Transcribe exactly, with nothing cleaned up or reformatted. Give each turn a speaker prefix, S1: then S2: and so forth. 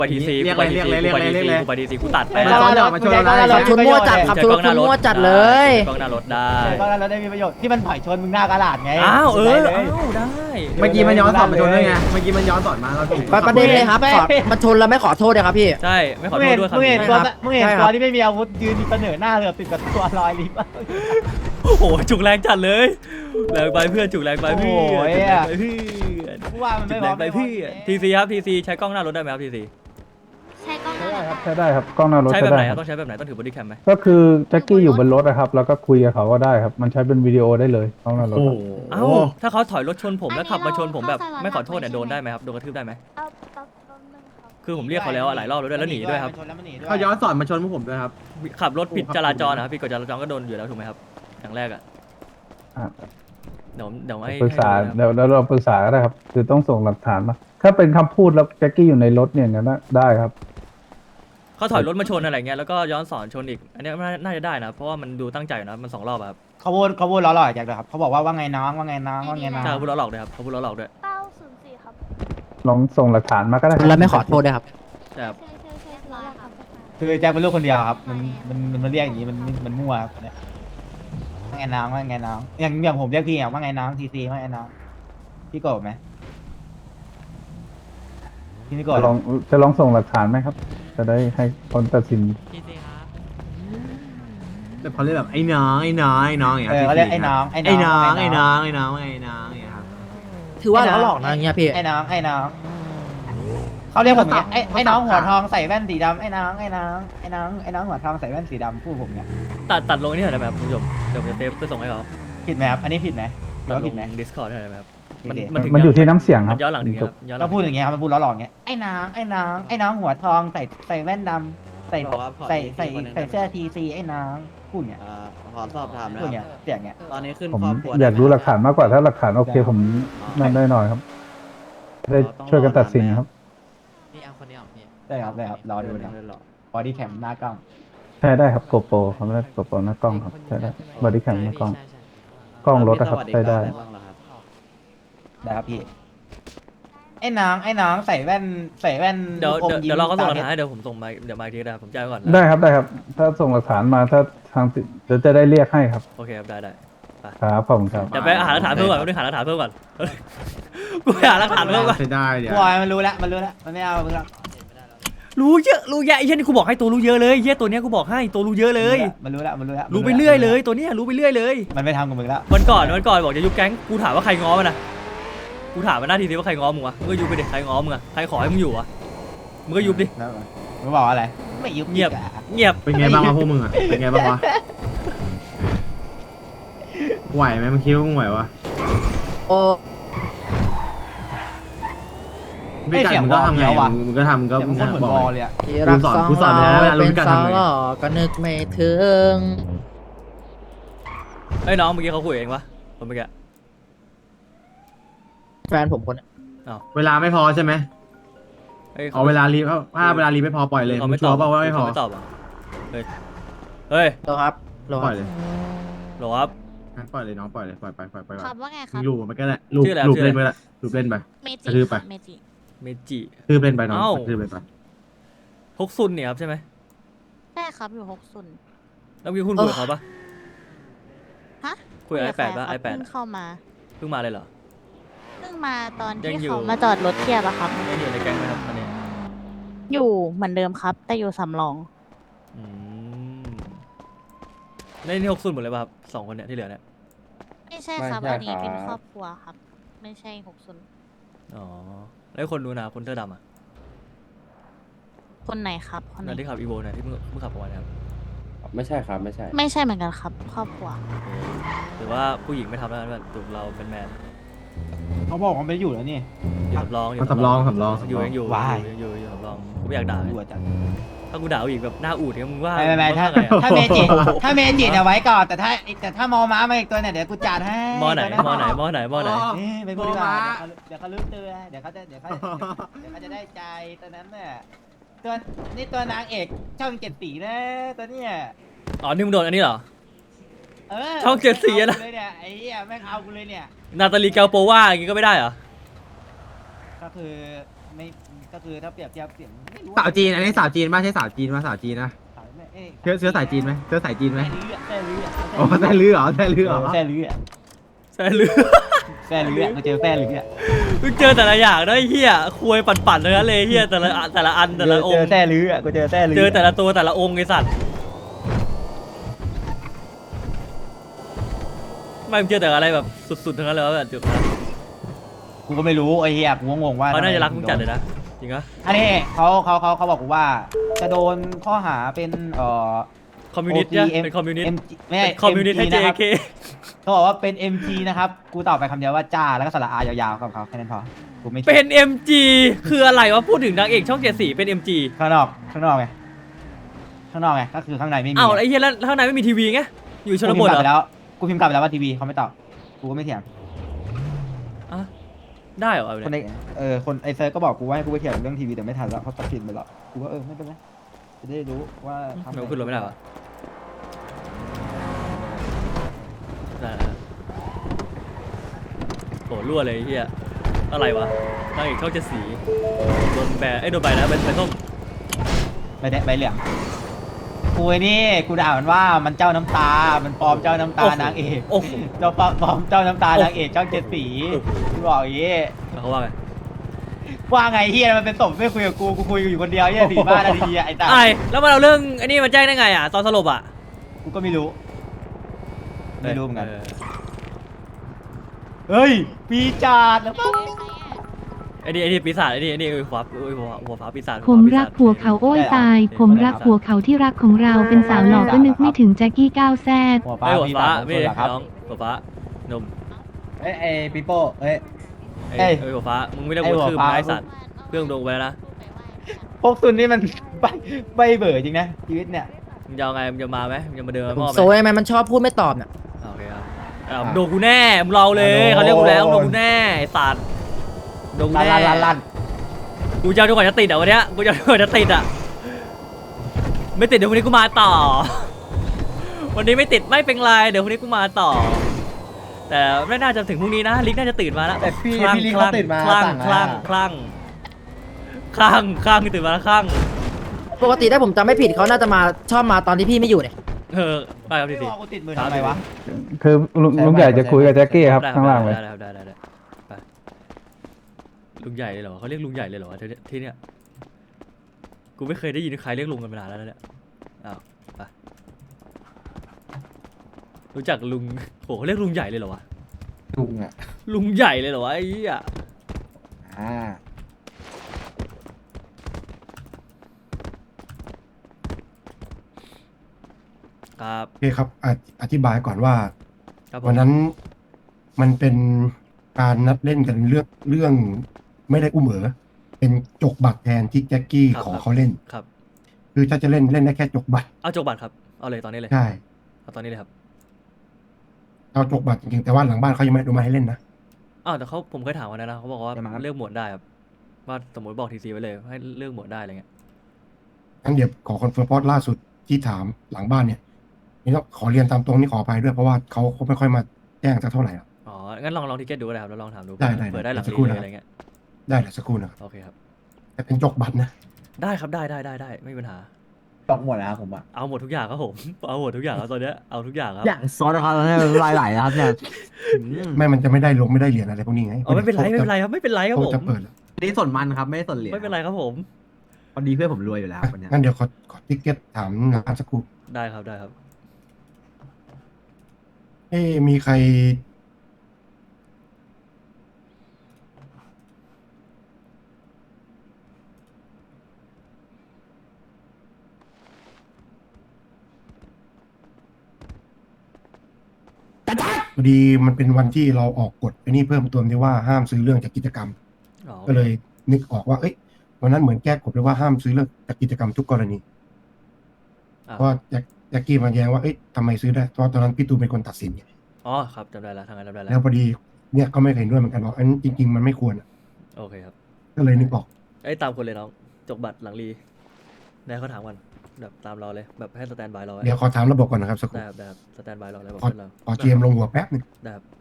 S1: ไปทีซีกูไปทีซีกูไปทีซีกูไปทีซีกูตัดไป
S2: มาชนมาชนอะไร
S3: ชนมั่วจัดครับชนมั่วจัดเลย
S1: กล้องหน้ารถได้
S2: ก็แล้วได้มีประโยชน์ที่มันถอยชนมึงหน้ากระดาษไง
S1: อ้าวเอออ้าวได้
S4: เมื่อกี้มันย้อนสอนมาชนด้วยไงเมื่อกี้มันย้อนสอนมาเราถูก
S3: ประเด็นเลยครับขอมันชนแล้วไม่ขอโทษเลยครับพี่
S1: ใช่ไม่ขอ
S2: มึง
S1: โทษ
S2: เห็น
S1: ด้วยครับ
S2: มึงเห็น
S3: ใช่
S2: ตัว
S3: ครับ
S2: มึงเห็น
S3: ใช่ค
S2: ตั
S3: รั
S2: ว
S3: บ
S2: ที่ไม่มีอาวุธยืนเสนอหน้าเรือติดกับตัวลอยลิฟต์
S1: โอ้โหจุกแรงจัดเลยแรงไปเพื่อนจุกแรงไปเพื่อนจุกแรงไปเพื่อน
S2: กูว่ามัน
S1: จุ
S2: ไม่
S1: ก
S2: พ
S1: แร
S2: อง
S1: ไปเพื่อนทีซีครับทีซีใช้กล้องหน้ารถได้ไหมครับทีซี
S5: ใช้กล้องหน้ารถค่ะ
S6: ใช้ได้ครับกล้องหน้ารถ
S1: ใช้
S6: ใช้
S1: แบบไห
S6: ได้
S1: น
S6: ค
S1: ค
S6: รั
S1: รับบ ต้องใช้แบบไหนต้องถือบอดี้แคมไหม
S6: ก็คือแจ็คกี้อยู่บนรถนะครับแล้วก็คุยกับเขาก็ได้ครับมันใช้เป็นวิดีโอได้เลยกล้องหน้ารถ
S4: โอ้
S6: ครับ
S4: โห
S1: เอ้าถ้าเขาถอยรถชนผมแล้วขับมาชนผมแบบไม่ขอโทษเนี่ยโดนได้ไหมครับโดนกระทืบได้ไหม
S5: เอาแป๊บแป๊บนึงครับ
S1: คือผมเรียกเขาแล้วหลายรอบแล้วด้วยแล้วหนีด้วยครับ
S4: เขาย้อนสอนมาชนพวกผมด้วยครับ
S1: ขับรถผิดจราจรนะครับผิดกฎจราจรก็โดนอยู่แล้วถูกไหมครับอย่างแรกอ่ะ
S6: อ่ะ
S1: เดี๋ยวเดี๋ยวให้
S6: ปรึกษา
S1: ให้ดูนะครับ
S6: เดี๋ยวแล้วเราปรึกษาก็ได้ครับคือต้องส่งหลักฐานมาถ้าเป็นคำพูดแล้วแจ็คกี้อยู่ในรถเนี่ยงั้นนะได้ครับ
S1: เขาถอยรถมาชนอะไรเงี้ยแล้วก็ย้อนสอนชนอีกอันเนี้ยน่าจะได้นะเพราะว่ามันดูตั้งใจอยู่นะมันสองรอบอะครับ
S2: เขาพูดเขาพูดล้อหล่อจากเลยครับเขาบอกว่าว่าไงน้องว่าไงน้องว่าไงน้อง
S1: ใช่เขาพูดล้อหลอกด้วยครับเขาพูดล้อหลอกด้วย
S5: เก้าศูนย์สี่ครับ
S6: ลองส่งหลักฐานมาก็ได้
S3: แล้วไม่ขอโทษด้วยครับ
S1: ใช่ครับ
S5: ใช่ใช่ใช่ร้อยครับ
S2: คือแจ็คเป็นลูกคนเดียวครับมันมันมันมันเรียกอย่างนี้มันมันมั่วครับเนี่ยว่าไงน้องว่าไงน้องอย่างอย่างผมเรียกพี่อ่ะว่าไงน้องทีซีว่าไงน้องพี่โกรธไหมพี่ไม่โกรธ
S6: จะลองจะลองส่งหลักฐานไหมครับ จะได้ให้คนตัดสิน
S4: แต่เขาเรียกแบบไอ้น้องไอ้น้องไอ้น้องอย่าง
S2: เอ
S4: เงี้
S2: อย เขาเรียกไอ้น้อง
S4: ไอ้น้องไอ้น้องไอ้น้องไอ้น้องอย่างเงี้ยครับ
S3: ถือว่าล้อหลอกนะอย่างเงี้ยพี่
S2: ไอ้น้องไอ้น้องเขาเรียกผมอย่างเงี้ยไอ้ไอ้น้องหัวทองใส่แว่นสีดำไอ้น้องไอ้น้องไอ้น้องไอ้น้องหัวทองใส่แว่นสีดำพูดผมเนี่ย
S1: ตัดตัดลงนี่หน่อยได้ไหมครับคุณผู้ชมเดี๋ยวผมจะเทปไปส่งให้เขา
S2: ผิดไหมครับอันนี้ผิดไหมหรือ
S1: ตัด
S2: ว่า
S1: ล
S2: ผิด
S1: ง
S2: ไหม
S1: ดิสคอร์ดได้ไหมครับมัน
S2: ผิดดิ
S1: มันถึง
S6: มันอยู่ที่น้ำเสียงค
S1: มั
S6: รับ
S1: นย้อนหลังถึงครับย้อนหลั
S2: เรา
S1: ง
S2: พูดอย่างเงี้ยครับมันพูดล้อหลอกเงี้ยไอ้น้องไอ้น้องไอ้น้องหัวทองใส่ใส่แว่นดำใส่ใส่ใส่ใส่เสื้อทีซีไอ้น้องพูดเนี่ย
S7: อ่าขอสอบถามนะ
S2: พูด
S7: ค
S2: เนี่ย
S7: รับ
S2: เสียงเงี้ย
S7: ตอนนี้ขึ้น
S6: ผม
S7: ครอบครัว
S6: อยากรู้หลักฐานมากกว่าถ้าหลักฐานโอเคผมนั่นได้หน่อยครับได้ช่วยกันตัดสินครับ
S7: นี่เอาคนนี้ออกพี่
S2: ได้ครับได้ครับรอดูนะ
S7: ได้หรอบ
S2: อดี้แคมหน้ากล้อง
S6: ใช่ได้ครับโกโปรเขาไม่ได้โกโปรหน้ากล้องครับใช่ได้บอดี้แคมหน้ากล้อง กล้องรถนะครับใช้ได้
S7: บ้างเหรอครับ
S2: ได้ครับพี่ไอ้น้องไอ้น้องใส่แว่นใส่แว่น
S1: เดี๋ยว
S2: อม
S1: เดี๋ยว
S2: ยิ้ม
S1: เดี๋ยวเราก็ส่งหลัก
S2: ต
S1: ฐานให้เดี๋ยวผมส่งมาเดี๋ยวมาอีกทีนะครับผมแจ้งไว้ก่อน
S6: ได้ครับได้ครับ ถ้าส่งหลักฐานมาถ้าทางติเดี๋ยวจะได้เรียกให้ครับ
S1: โอเคครับได้ได้
S6: ครับขอบคุณครับ
S1: เดี๋ยวไปหาหลักฐานเพิ่มก่อนต้องหาหลักฐานเพิ่มก่อนกูไปหาหลักฐานเพิ่มก่อน
S4: ใช้ได้เดี๋ยว
S2: บอยมันรู้แล้วมันรู้แล้วมันไม่เอามึงหรอก
S1: รู้เยอะรู้แยะไอ้เหี้ยนี่กูบอกให้ตัวรู้เยอะเลยเหี้ยตัวเนี้ยกูบอกให้ตัวรู้เยอะเลย
S2: มันรู้แล้วมันรู้แล้ว
S1: รู้ไปเรื่อยเลยตัวเนี้ยรู้ไปเรื่อยเลย
S2: มันไม่ทำกับมึงแล้ว
S1: วันก่อนวันก่อนบอกจะยุบแก๊งกูถามว่าใครง้อมันนะกูถามมันหน้าทีสิว่าใครง้อมึงวะมึงก็ยุบไปดิใครง้อมึงอะใครขอให้มึงอยู่วะมึงก็ยุบดิ
S2: แล้วมึงบอกอะไรไม่ยุบ
S1: เงียบ
S2: อีกอะ
S1: เงียบ
S4: เป็นไงบ้างวะพวกมึงอ่ะเป็นไงบ้างวะไหวไหมมึงคิดว่ามึงไหววะ
S3: โอ้
S4: ไม่กัดมึงก็ทำไงอะมึงก็ทำก็
S2: เดี๋ยว
S4: มึ
S2: มึ
S4: ง
S2: งคนเหมือน
S4: บอก
S2: บอล
S4: เลย
S2: เลยอะ
S3: ที่รัก
S4: กูสอน
S3: สอง
S4: กูสอนไปแล้ว
S3: เรา
S4: รู้
S3: เป็น
S4: กัน
S3: สา
S4: ทำ
S3: ว
S4: ไง
S3: หล่อก็นึกไม่ถึง
S1: ไอ้ยน้องเมื่อกี้เขาคุยเองปะคนเมื่อกี้
S3: แฟนผมคนนี้
S4: เวลาไม่พอใช่ไหม
S1: อ้ย
S4: เอาเวลารีบถ้าเวลารีบไม่พอปล่อยเลย
S1: เขา
S4: มึ
S1: ไม่
S4: งชั
S1: ต
S4: ว
S1: อบ
S4: ร์เปล่าว่าไม่พอ
S1: เขาไม่ตอบอ่ะเฮ้ยเฮ้ย
S3: เหรอครับเหรอ
S4: ป
S3: ค
S4: ล่
S3: รั
S4: อบ ยเลย
S1: หรอครับ
S4: งั้นปล่อยเลยน้องปล่อยเลยปล่อยไปปล่อยไปก่อน
S5: ครับว่าไงค
S4: มึ
S5: รับ
S4: งลูบมันก็ได้ลูบ
S1: ชื่ออะไร
S4: ลูบ
S1: ชื่ออะไร
S4: เล่นไปละลูบเล่นไป
S5: เม
S4: ก
S5: จิ
S4: ระทืบไป
S5: ครับเมจิ
S1: เมจิ
S4: ทืบเล่นไปน้อง
S1: เอ้า
S4: ทืบเล่นไป
S1: ฮกซุนเนี่ยครับใช่ไหม
S5: ใช่ครับอยู่หกศูนย์
S1: แล้วเมื่อกี้คุณคุยกับเขาปะ
S5: ฮะ
S1: คุยกับไอแปด
S5: ใคร
S1: ปะ
S5: ค
S1: ไอ
S5: รับ
S1: แปด
S5: เพิ่งเข้ามา
S1: เพิ่งมาเลยเหรอ
S5: เพิ่งมาตอน
S1: ยั
S5: ที่
S1: งอยู่
S5: เขามาจอดรถเทียบอะครับ
S1: ยังอยู่ในแก๊งไหมครับตอนนี้
S5: อยู่เหมือนเดิมครับ แต่อยู่สำรอง
S1: อืมในนี่ฮกซุนหมดเลยป่ะครับสองคนเนี่ยที่เหลือเนี่ย
S5: ไม่ใช่ครับ
S7: ไม่ใช่
S5: อันนี้เป็น
S7: ครับ
S5: ครอบครัวครับ ไม่ใช่หกศูนย์
S1: อ๋อแล้วคนนู้นนะคนเสื้อดำอ่ะ
S5: คนไหนครับคนไหน
S1: นั่นที่ขับอีโวเนี่ยที่เพิ่งเพิ่งขับออกมาเนี่ยครับ
S7: ไม่ใช่ครับไม่ใช่
S5: ไม่ใช่เหมือนกันครับ ครอบครัว
S1: หรือว่าผู้หญิงไม่ทำแล้วกันแบบตัวเราเป็นแมน
S2: เขาบอกว่าไม่อยู่แล้วนี่
S1: อยู่สำรองอยู่
S4: มันสำรองสำรอง
S1: อยู่
S4: สำรอง
S1: ยังอยู่
S2: ว้าย
S1: ยังอยู่อยู่สำรองกูไม่อยากด่า
S2: ดูจัด
S1: ถ้ากูด่าผู้หญิงแบบหน้าอูดเนี่ยมึงว่า
S2: ไม่ไม่ไม่ถ้า
S1: มึงว่าไงอะ
S2: ถ้าเมจิถ้าเมจิเนี่ยไว้ก่อนแต่ถ้าแต่ถ้ามอม้ามาอีกตัวเนี่ยเดี๋ยวกูจัดให้
S1: มอไหน
S2: ตัว
S1: มอไหนมอไหนมอไหน
S2: เอ๊ะไม่พูดดีกว่าเดี๋ยวเขาลืมตัวเดี๋ยวเขาจะเดี๋ยวเขาเดี๋ยวเขาจะได้ใจตัวนั้นเนี่ยตัวนี่ตัวนางเอกช่องเจ็ดสีนะตัวเนี้ย
S1: อ๋อนี่มึงโดนอันนี้เหรอ
S2: เออ
S1: ช่องเจ็ดสีอะนะ
S2: เอากูเลยเนี่ยไอ้เหี้ยแม่งเอากูเลยเนี่ย
S1: นาตาลีแกลโปว่าอย่างงี้ก็ไม่ได้เหรอ
S2: ก็คือไม่ก็คือถ้าเปรียบเทียบเสียงไม่รู้
S4: สาวจีนอันนี้สาวจีนป่ะใช่สาวจีนป่ะสาวจีนนะ
S2: เอ้ย
S4: เชื้อเชื้อสายจีนไหมเชื้อสายจีนไหม
S2: แซ่ลื้ออะ
S4: โอ้แซ่ลื้อเหรอแซ่ลื้อเหรอ
S2: แซ่ลื้ออะ
S1: ใช่หรือ
S2: แซ่ลื้ออะกูเจอแซ่ลื้ออะ
S1: มึงเจอแต่ละอย่างนะไอ้เฮียควยปั่นๆเลยนะเลยเฮียแต่ละอันแต่ละอันแต่ละอ
S2: เจ
S1: ง
S2: อ
S1: ค์
S2: แซ่ลื้ออะกูเจอแซ่ลื้อ
S1: เจอแต่ละตัวแต่ละองค์ไอ้สัตว์ไม่มึงเจอแต่อะไรแบบสุดๆทั้งนั้นเลยวะแบบจุดนั้น
S2: กูก็ไม่รู้ไอ้เหี้ยกูก็งงว่า
S1: เขาน่าจะรักมึงจัดเลยนะจริงปะ
S2: อันนี้เขาเขาเขาเขาบอกกูว่า จะโดนข้อหาเป็นเอ่อ
S1: คอมมิวนิสต์เนี่ย
S2: โอ M
S1: เป็นคอมมิวนิสต์
S2: M ไม่ใช่
S1: เป็นคอมมิวนิสต์ให้
S2: M G นะครับ
S1: เจ เค
S2: เขาบอกว่าเป็น เอ็ม จี นะครับ กูตอบไปคำเดียวว่าจ้า แล้วก็สระอายาวๆกับเขาแค่นั้นพอ กูไม่
S1: เป็น เอ็ม จี คืออะไรวะพูดถึงนางเอกช่องเจ็ดสีเป็น เอ็ม จี
S2: ข้างนอก ข้างนอกไง ข้างนอกไง ก็คือข้างในไม่มี
S1: อ้าวไอ้เหี้ยแล้วข้างในไม่มีทีวีไงอยู่ชน
S2: กู
S1: บ
S2: พิม
S1: ท
S2: พ์กลับ
S1: เหรอ
S2: ไปแล้ว กูพิมพ์กลับไปแล้วว่าทีวีเขาไม่ตอบ กูก็ไม่เถียง
S1: อ่ะได้เหรอเอา
S2: คน
S1: เนี่ย
S2: ในเออ คนไอเซิร์ฟก็บอกกูว่าให้กูไปเถียงเรื่องทีวีแต่ไม่ทันแล้วเขาตัดสินไปแล้ว กูก็เออไม่เป็นไร จะได้รู้ว่าทำ
S1: ทำไมขึ้นรถไม่ได้วะได้แล้วโหรั่วเลยไอ้เฮียอะไรวะนางเอกช่องเจ็ดสีโดนแบนไอ้ยโดนใบแล้วใบใบส้ม
S2: ไม่ได้ใบเหลืองกูไอ้นี่ กูด่ามันว่ามันเจ้าน้ำตา มันปลอมเจ้าน้ำตานางเอก
S1: โอ้โห
S2: เจ้าปลอมเจ้าน้ำตานางเอกช่องเจ็ดสี
S1: โอ้โห
S2: กูบอกอย่างงี้
S1: แล้วเขาว่าไง
S2: ว่าไงเฮียมันเป็นศพไม่คุยกับกู กูคุยอยู่คนเดียวเฮียสี่บ้านนาทีอะไอ้ตา
S1: ไอ้แล้วมันเอาเรื่องไอ้นี่มาแจ้งได้ไงอ่ะตอนสลบอ่ะ
S2: กูก็ไม่รู้ ไม่รู้เหมือนกัน
S1: เออ
S2: เฮ้ย ปีจาดแล้วปั๊บ
S1: ไอ้นี่ไอ้นี่ปีศาจไอ้นี่ไอ้นี่หัวฟ้าหัวหัวฟ้าปีศาจ
S8: ผมรักผัวเขาโอ้ยตาย ผมรักผัวเขาที่รักของเราเป็นสาวหล่อก็นึกไม่ถึงแจ็คกี้ก้าวแซด
S2: หัวฟ้า
S1: ไอ้หัว
S2: ปี
S1: ฟ้า
S2: ศาจ
S1: ไม่
S2: คน
S1: ได้
S2: เหรอครับ
S1: น้องหัวฟ้านม
S2: เอ้ยไอ้ปีโป้เอ้ย
S1: ไอ้
S2: เอ้ย
S1: ไอ้หัวฟ้ามึงไม่ได้
S2: ไอ้
S1: หัว
S2: หัว
S1: คืบ
S2: ฟ้า
S1: นะไอ้สัตว์เครื่องดงไปแล้วนะ
S2: พวกซุนนี่มัน ใบใบเบื่อจริงนะชีวิตเนี่ย
S1: มึงจะเอาไงมึงจะมาไหมมึงจะมาเดิน
S3: ผม
S1: มอบไหม
S3: โซยไหมมันชอบพูดไม่ตอบน่ะ
S1: อ่าโอเคครับอ่าโดนกูแน่มึงรอเลยเขาเรียกกูแล้วโดนกูแน่ไอ้สัตว์โดนกู
S2: ลั่น
S1: แน่
S2: ลั่นลั่นลั่น
S1: กูจะเอาจนกว่าจะติดอ่ะวันเนี้ยกูจะเอาจนกว่าจะติดอ่ะไม่ติดเดี๋ยววันนี้กูมาต่อ วันนี้ไม่ติดไม่เป็นไรเดี๋ยววันนี้กูมาต่อ แต่ไม่น่าจะถึงพรุ่งนี้นะลิกน่าจะตื่นมาแล้ว
S2: แต่พี่
S1: คลั่ง
S2: พี่ลิง
S1: ค
S2: เขา
S1: ลั่ง
S2: ตื่นมา
S1: คลั่ง
S2: สั่ง
S1: คลั่ง
S2: อะ
S1: คลั่งคลั่งคลั่งตื่นมาแล้วคลั่ง
S3: ปกติถ้าผมจำไม่ผิดเขาน่าจะมาชอบมาตอนที่พี่ไม่อยู่เนี่ย
S1: เออไปครับที
S2: พี่
S1: ที
S2: บอกกูติดมือทำไมวะ
S6: คือลุงลุงใหญ่จะคุยกับแจ็คกี้ครับข้างล่างเลย
S1: ได้ได้ได้ได้ไปลุงใหญ่เลยเหรอเขาเรียกลุงใหญ่เลยเหรอวะที่ที่เนี้ยกูไม่เคยได้ยินใครเรียกลุงกันมานานแล้วนะเนี่ยอ้าวไปรู้จักลุงโหเขาเรียกลุงใหญ่เลยเหรอวะ
S2: ลุงอ่ะ
S1: ลุงใหญ่เลยเหรอวะไอ้เหี้ย
S2: อ่า
S1: ครับ
S9: โอเคครับอธิอธิบายก่อนว่า
S1: ครับผม
S9: วันนั้นมันเป็นการนัดเล่นกันเรื่องเรื่องไม่ได้อุ้มเอ๋อเป็นจกบัตรแทนที่แจ็คกี้ขอเขาเล่น
S1: ครับ
S9: คือถ้าจะเล่นเล่นได้แค่จกบัตร
S1: เอาจกบัตรครับเอาเลยตอนนี้เลย
S9: ใช่
S1: เอาตอนนี้เลยครับ
S9: เอาจกบัตรจริงๆแต่ว่าหลังบ้านเขายังไม่อนุมัติให้เล่นนะ
S1: อ้าวแต่เขาผมเคยถามวันนั้นนะเขาบอกว่าเลือกหมวดได้ครับว่าสมมติบอกทีซีไว้เลยให้เลือกหมวดได้อะไรเงี้ย
S9: งั้นเดี๋ยวขอคอนเฟิร์มเพราะล่าสุดที่ถามหลังบ้านเนี่ยนี่ต้องขอเรียนตามตรงนี่ขออภัยด้วยเพราะว่าเขาเขาไม่ค่อยมาแจ้งสักเท่าไหร่หรอก
S1: อ๋องั้นลองลองทิเก็ตดูก็ได้ครับแล้วลองถามดู
S9: ได้ได้
S1: เปิดได้หลัง
S9: สัก
S1: รี
S9: ครู่
S1: เลย
S9: นะ
S1: อะไรเงี้ย
S9: ได้เดี๋ยวสักครู่นะครับ
S1: โอเคครับ
S9: แต่เป็นจกบัตรนะ
S1: ได้ครับได้ได้ได้ได้ไม่มีปัญหา
S2: ตอกหมดนะครับผมอ่ะ
S1: เอาหมดทุกอย่างครับผม เอาหมดทุกอย่างครับตอนเนี้ยเอาทุกอย่างครับ
S4: อย่างซอสนะครับเนี่ยลายไหลนะครับเนี่ย
S9: ไม่มันจะไม่ได้ลงไม่ได้เหรียญอะไรพวกนี้ไง
S1: อ๋อไม่เป็นไรไม่เป็นไรครับไม่เป็นไรครับ
S9: โต๊ะ
S1: ผม
S9: จะเปิดแล้ว
S4: นี่ส่วนมันครับไม่ได้ส่วนเหรียญ
S1: ไม่เป็นไรครับผม
S4: พอดีเพื่อนผมรวยอยู่แล้ววันเนี้ย
S9: งั้นเดี๋ยวขอขอทิกเก็ตถามงานสักครู่
S1: ได้ครับได้ครับ
S9: เอ้มีใครพอดีมันเป็นวันที่เราออกกฎไอ้นี่เพิ่มเติมที่ว่าห้ามซื้อเรื่องจากกิจกรรม
S1: อ๋อ
S9: ก็เลยนึกออกว่า เอ้ยวันนั้นเหมือนแก้กฎเลยว่าห้ามซื้อเรื่องจากกิจกรรมทุกกรณี
S1: อ่ะ
S9: เพราะว่าแจ็คแจ็คกี้มาแย้งว่าเอ้ยทำไมซื้อได้เพราะตอนนั้นพี่ตูนเป็นคนตัดสินไง
S1: อ๋อครับจำได้แล้วทางนั้นจำได้แล้
S9: แล้ว วพอดีเนี่ยก็ไม่เห็นด้วยเหมือนกันว่าอันนจริง ๆ มันไม่ควรอะ
S1: โอเคครับ
S9: ก็เลยนึกออก
S1: ไอ้ยตามคนเลยน้องจกบัตรหลังรีได้เขาถามกันแบบตามเราเลยแบบให้สแตนบายเราไว้
S9: เดี๋ยวขอถามระบบก่อนนะครับสักครู่
S1: ได้ครับได้ครับสแตนบายเราเลยบอก
S9: ขอ
S1: เพื่อนเรา
S9: ขอเจมลงหัวแป๊บหนึง
S1: ได้ครับ